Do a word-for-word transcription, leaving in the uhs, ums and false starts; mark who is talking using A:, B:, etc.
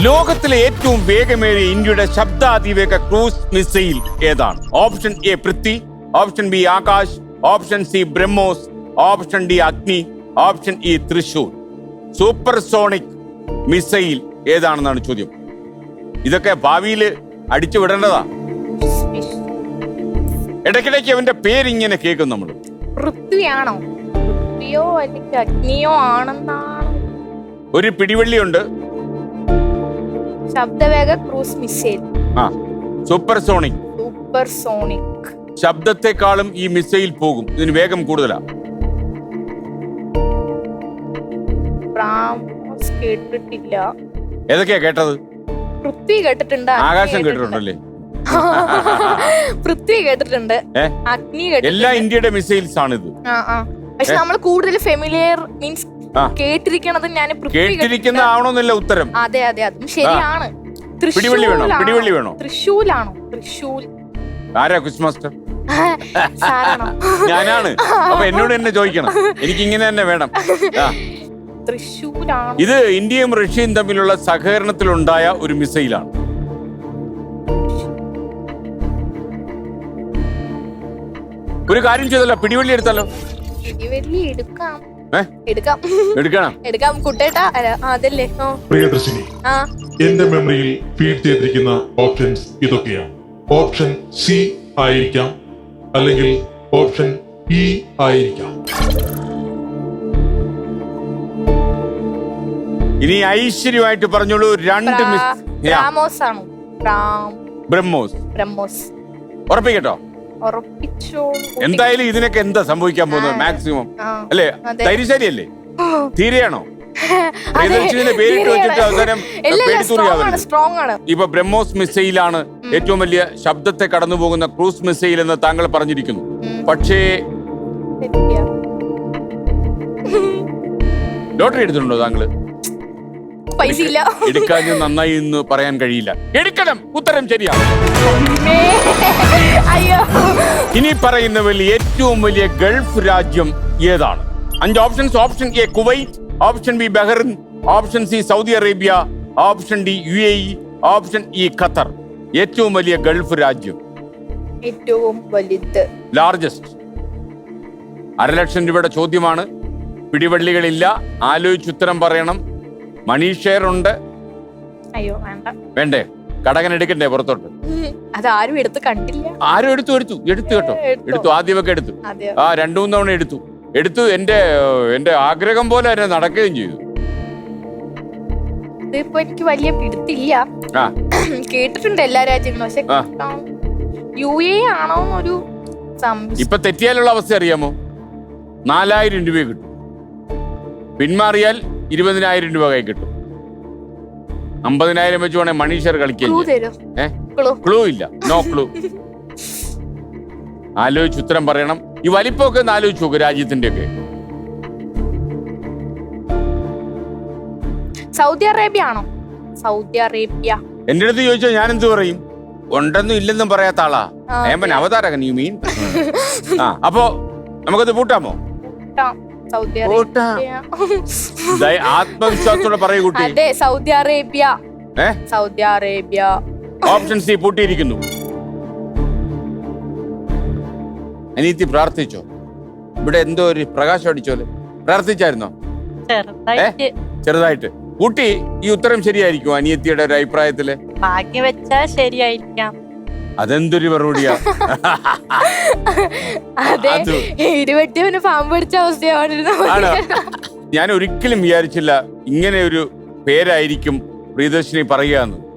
A: ലോകത്തിലെ ഏറ്റവും വേഗമേറിയ ഇന്ത്യയുടെ ശബ്ദാതിവേഗ ക്രൂസ് മിസൈൽ ഏതാണ്? Option A Prithvi, option B Akash, option C BrahMos, option D Agni, option E Thrissur. Supersonic missile ഏതാണെന്നാണ് ചോദ്യം. ഇതൊക്കെ ഭാവിയിൽ അടിച്ചു വിടേണ്ടതാ. ഇടയ്ക്കിടയ്ക്ക് അവന്റെ പേരിങ്ങനെ കേൾക്കും നമ്മൾ.
B: പൃഥ്വിയാണോ? പൃഥ്വിയോ അല്ലെങ്കിൽ അഗ്നിയോ ആണെന്നാണ്.
A: ഒരു പിടിവള്ളിയുണ്ട്.
B: ശബ്ദവേഗ ക്രൂസ് മിസൈൽ.
A: ആ, സൂപ്പർസോണിക്.
B: സൂപ്പർസോണിക്.
A: ശബ്ദത്തെക്കാളും ഈ മിസൈൽ പോകും. ഇതിന് വേഗം കൂടുതലാ.
B: ബ്രഹ്മോസ് കേട്ടിട്ടില്ല.
A: ഏതൊക്കെയാ കേട്ടത്?
B: പൃഥ്വി കേട്ടിട്ടുണ്ട്.
A: ആകാശം കേട്ടിട്ടുണ്ടല്ലേ?
B: പൃഥ്വി കേട്ടിട്ടുണ്ട്. അഗ്നി കേട്ടിട്ടുണ്ട്.
A: എല്ലാ ഇന്ത്യയുടെ മിസൈൽസ് ആണിത്.
B: പക്ഷെ നമ്മൾ കൂടുതൽ ഫെമിലിയർ മീൻസ് കേട്ടിരിക്കണത് ഞാൻ
A: കേട്ടിരിക്കുന്ന ആവണമെന്നില്ല ഉത്തരം.
B: അതെ അതെ അതും ശരിയാണ്.
A: പിടിവള്ളി വേണോ? പിടിവള്ളി വേണോ?
B: തൃശൂലാണോ? തൃശൂൽ.
A: ആരാ ക്വിസ് മാസ്റ്റർ?
B: സാറാണോ?
A: ഞാനാണ്. അപ്പൊ എന്നോട് തന്നെ ചോദിക്കണം. എനിക്ക് ഇങ്ങനെ തന്നെ വേണം.
B: തൃശൂലാണോ?
A: ഇത് ഇന്ത്യയും റഷ്യയും തമ്മിലുള്ള സഹകരണത്തിലുണ്ടായ ഒരു മിസൈലാണ്. ഒരു കാര്യം ചെയ്തല്ലോ, പിടിവള്ളി എടുത്താലോ?
B: പിടിവള്ളി എടുക്കാം. എടുക്കാം
A: എടുക്കണം
B: എടുക്കാം കുട്ടേട്ടാ. അതല്ലേ
C: പ്രിയദർശിനി, എന്റെ മെമ്മറിയിൽ ഫീഡ് ചെയ്തിരിക്കുന്ന ഓപ്ഷൻസ് ഇതൊക്കെയാണ്. ഓപ്ഷൻ സി ആയിരിക്കാം, അല്ലെങ്കിൽ ഓപ്ഷൻ ഇ ആയിരിക്കാം.
A: ഇനി ഐശ്വര്യമായിട്ട് പറഞ്ഞോളൂ. രണ്ട്
B: ബ്രഹ്മോസ് ആണോ?
A: ബ്രഹ്മോസ്.
B: ബ്രഹ്മോസ്
A: ഉറപ്പിക്കട്ടോ? എന്തായാലും ഇതിനൊക്കെ എന്താ സംഭവിക്കാൻ പോകുന്നത്? മാക്സിമം അല്ലേ? ധൈര്യശാലിയല്ലേ? തീരെയാണോ? പേരിട്ട് വെച്ചിട്ട് അവസാനം ഇപ്പൊ ബ്രഹ്മോസ് മിസൈലാണ് ഏറ്റവും വലിയ ശബ്ദത്തെ കടന്നു പോകുന്ന ക്രൂസ് മിസൈൽ എന്ന് താങ്കൾ പറഞ്ഞിരിക്കുന്നു. പക്ഷേ ലോട്ടറി എടുത്തിട്ടുണ്ടോ താങ്കള്?
B: പൈസ ഇല്ല.
A: എടുക്കാൻ നന്നായി എന്ന് പറയാൻ കഴിയില്ല. എടുക്കണം. ഉത്തരം ശരിയാണ്. ഇനി പറയുന്നവരിൽ ഏറ്റവും വലിയ ഗൾഫ് രാജ്യം ഏതാണ്? അഞ്ച് options. Option A Kuwait, option B Bahrain, option C Saudi Arabia, option D U A E, option E Qatar. ഏറ്റവും വലിയ ഗൾഫ് രാജ്യം.
B: ഏറ്റവും വലുത്,
A: ലാർജസ്റ്റ്. അരലക്ഷം രൂപയുടെ ചോദ്യമാണ്. പിടിവള്ളികളില്ല. ആലോചിച്ചുത്തരം പറയണം. മണി ഷെയർ ഉണ്ട്.
B: അയ്യോ വേണ്ട.
A: വേണ്ടേ? കടകൻ എടുക്കണ്ടേ പുറത്തോട്ട്?
B: അതാരും എടുത്ത് കണ്ടില്ല.
A: ആരും എടുത്തു എടുത്തു എടുത്തു കേട്ടോ. എടുത്തു. ആദ്യമൊക്കെ എടുത്തു. ആ രണ്ടു മൂന്ന് തവണ എടുത്തു എടുത്തു എന്റെ എന്റെ ആഗ്രഹം പോലെ തന്നെ നടക്കുകയും ചെയ്തു.
B: ഇതിപ്പോ എനിക്ക് വലിയ പിടുത്തില്ല. കേട്ടിട്ടുണ്ട് എല്ലാ രാജ്യങ്ങളും. പക്ഷെ യു എ ആണോ ഒരു
A: ഇപ്പൊ തെറ്റിയാലുള്ള അവസ്ഥ അറിയാമോ? നാലായിരം രൂപ കിട്ടും. പിന്മാറിയാൽ ഇരുപതിനായിരം രൂപ കൈ കിട്ടും. അമ്പതിനായിരം വെച്ച് വേണേ മണീഷർ കളിക്കാൻ. ക്ലൂ ഇല്ല. No clue. ആലോചിച്ച് ഉത്തരം പറയണം. ഈ വലിപ്പമൊക്കെ ഒന്ന് ആലോചിച്ച് നോക്ക് രാജ്യത്തിന്റെ ഒക്കെ.
B: സൗദി അറേബ്യ ആണോ? Saudi Arabia.
A: എന്റെ അടുത്ത് ചോദിച്ചാൽ ഞാൻ എന്ത് പറയും? ഉണ്ടെന്നും ഇല്ലെന്നും പറയാത്ത ആളാ ഏമ്പൻ അവതാരകൻ. You mean? ആ, അപ്പോ നമുക്കത് പൂട്ടാമോ? ആത്മവിശ്വാസത്തോടെ പറയൂ കുട്ടി.
B: അതെ, Saudi Arabia. Saudi Arabia.
A: Option C പൂട്ടിയിരിക്കുന്നു. അനീതി പ്രാർത്ഥിച്ചോ? ഇവിടെ എന്തോ ഒരു പ്രകാശം അടിച്ചോലെ. പ്രാർത്ഥിച്ചായിരുന്നോ? ചെറുതായിട്ട്. കുട്ടി ഈ ഉത്തരം ശരിയായിരിക്കും അനിയത്തിയുടെ ഒരു അഭിപ്രായത്തില്?
D: ഭാഗ്യം വെച്ചാ ശരിയായിരിക്കാം.
A: അതെന്തൊരു മറുപടിയാ?
B: ഇരുപത്തിയവന് പാമ്പ് പിടിച്ച അവസ്ഥയാണ്.
A: ഞാൻ ഒരിക്കലും വിചാരിച്ചില്ല ഇങ്ങനെ ഒരു പേരായിരിക്കും പ്രിയദർശിനി പറയുക എന്ന്.